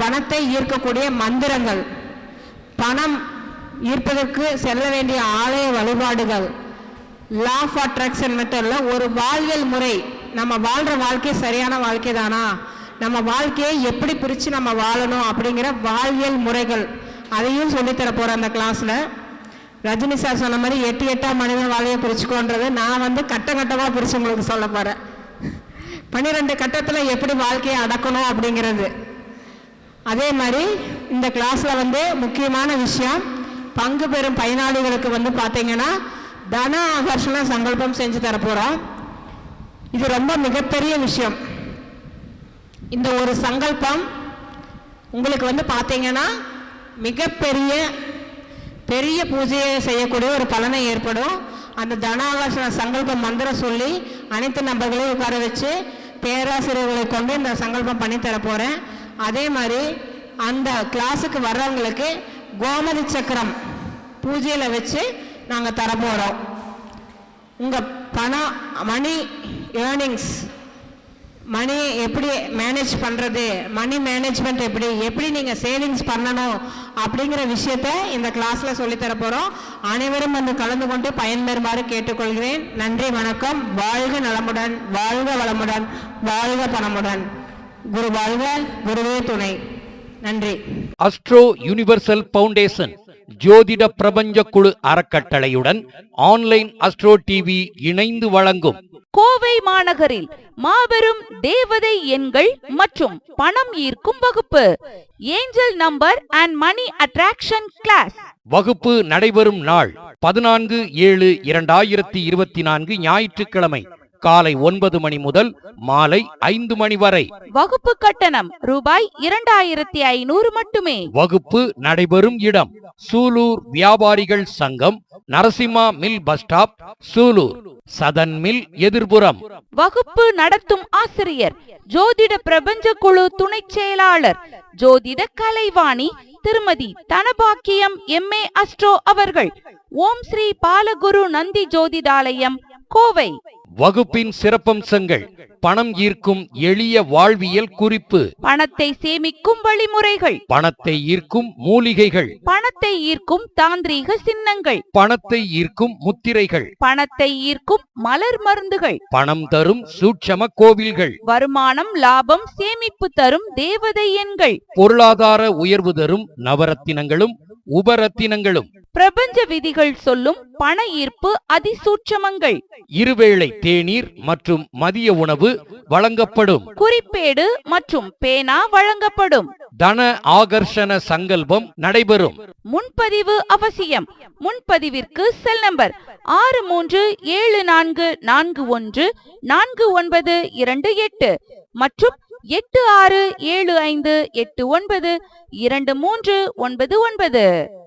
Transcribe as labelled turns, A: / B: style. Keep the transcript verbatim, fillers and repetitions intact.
A: பணத்தை ஈர்க்கக்கூடிய மந்திரங்கள், பணம் ஈர்ப்பதற்கு செல்ல வேண்டிய ஆலய வழிபாடுகள், லா ஆஃப் அட்ராக்ஷன் மெத்தட்ல ஒரு வாழ்வியல் முறை, நம்ம வாழ்கிற வாழ்க்கை சரியான வாழ்க்கை தானா, நம்ம வாழ்க்கையை எப்படி பிரித்து நம்ம வாழணும் அப்படிங்கிற வாழ்வியல் முறைகள், அதையும் சொல்லித்தர போகிறேன் அந்த கிளாஸில். ரஜினி சார் சொன்ன மாதிரி எட்டு எட்டாம் மனித வாழ்வையை பிரிச்சுக்கோன்றது நான் வந்து கட்ட கட்டமாக பிரித்து உங்களுக்கு சொல்ல போகிறேன். பன்னிரெண்டு கட்டத்தில் எப்படி வாழ்க்கையை அடக்கணும் அப்படிங்கிறது. அதே மாதிரி இந்த கிளாஸில் வந்து முக்கியமான விஷயம், பங்கு பெறும் பயனாளிகளுக்கு வந்து பார்த்தீங்கன்னா தன ஆகர்ஷண சங்கல்பம் செஞ்சு தரப்போகிறோம். இது ரொம்ப மிகப்பெரிய விஷயம். இந்த ஒரு சங்கல்பம் உங்களுக்கு வந்து பார்த்தீங்கன்னா மிகப்பெரிய பெரிய பூஜையை செய்யக்கூடிய ஒரு பலனை ஏற்படும். அந்த தனாகர்ஷண சங்கல்ப மந்திரம் சொல்லி அனைத்து நபர்களையும் உட்கார வச்சு பேராசிரியர்களை கொண்டு இந்த சங்கல்பம் பண்ணி தர போகிறேன். அதே மாதிரி அந்த கிளாஸுக்கு வர்றவங்களுக்கு கோமதி சக்கரம் பூஜையில் வச்சு நாங்கள் தரப்போகிறோம். உங்கள் பணம், மணி ஏர்னிங்ஸ், மணி எப்படி மேனேஜ் பண்ணுறது, மணி மேனேஜ்மெண்ட் எப்படி எப்படி நீங்கள் சேவிங்ஸ் பண்ணணும் அப்படிங்கிற விஷயத்த இந்த கிளாஸில் சொல்லித்தர போகிறோம். அனைவரும் வந்து கலந்து கொண்டு பயன்பெறுமாறு கேட்டுக்கொள்கிறேன். நன்றி, வணக்கம். வாழ்க நலமுடன், வாழ்க வளமுடன், வாழ்க பணமுடன். குரு வாழ்க, குருவே துணை. நன்றி.
B: அஸ்ட்ரோ யுனிவர்சல் பவுண்டேஷன் ஜோதிட பிரபஞ்ச குழு அறக்கட்டளையுடன் ஆன்லைன் அஸ்ட்ரோ டிவி இணைந்து வழங்கும்
C: கோவை மாநகரில் மாபெரும் தேவதை எண்கள் மற்றும் பணம் ஈர்க்கும் வகுப்பு, angel number and money attraction class.
B: வகுப்பு நடைபெறும் நாள் பதினான்கு ஏழு இரண்டாயிரத்தி இருபத்தி நான்கு ஞாயிற்றுக்கிழமை காலை ஒன்பது மணி முதல் மாலை ஐந்து மணி வரை.
C: வகுப்பு கட்டணம் ரூபாய் இரண்டாயிரத்தி ஐநூறு மட்டுமே.
B: வகுப்பு நடைபெறும் இடம் சூலூர் வியாபாரிகள் சங்கம், Narasimha mill bus stop, Sulur, southern mill எதிர்புறம்.
C: வகுப்பு நடத்தும் ஆசிரியர் ஜோதிட பிரபஞ்ச குழு துணை செயலாளர் ஜோதிட கலைவாணி திருமதி தனபாக்கியம் எம் ஏ அஸ்ட்ரோ அவர்கள். ஓம் ஸ்ரீ பாலகுரு நந்தி ஜோதிடாலயம், கோவை.
B: வகுப்பின் சிறப்பம்சங்கள்: பணம் ஈர்க்கும் எளிய வாழ்வியல் குறிப்பு,
C: பணத்தை சேமிக்கும் வழிமுறைகள்,
B: பணத்தை ஈர்க்கும் மூலிகைகள்,
C: பணத்தை ஈர்க்கும் தாந்திரீக சின்னங்கள்,
B: பணத்தை ஈர்க்கும் முத்திரைகள்,
C: பணத்தை ஈர்க்கும் மலர் மருந்துகள்,
B: பணம் தரும் சூட்சம கோவில்கள்,
C: வருமானம், லாபம், சேமிப்பு தரும் தேவதை எண்கள்,
B: பொருளாதார உயர்வு தரும் நவரத்தினங்களும் உபரத்தினங்களும்,
C: பிரபஞ்ச விதிகள் சொல்லும் பண ஈர்ப்பு அதிசூட்சமங்கள்,
B: இருவேளை தேநீர் மற்றும் மதிய உணவு வழங்கப்படும்,
C: குறிப்பேடு மற்றும் பேனா வழங்கப்படும்,
B: தன ஆகர்ஷண சங்கல்பம் நடைபெறும்.
C: முன்பதிவு அவசியம். முன்பதிவிற்கு செல் நம்பர் ஆறு மூன்று ஏழு நான்கு நான்கு ஒன்று நான்கு ஒன்பது இரண்டு எட்டு மற்றும் எட்டு ஆறு ஏழு ஐந்து எட்டு ஒன்பது இரண்டு மூன்று ஒன்பது ஒன்பது.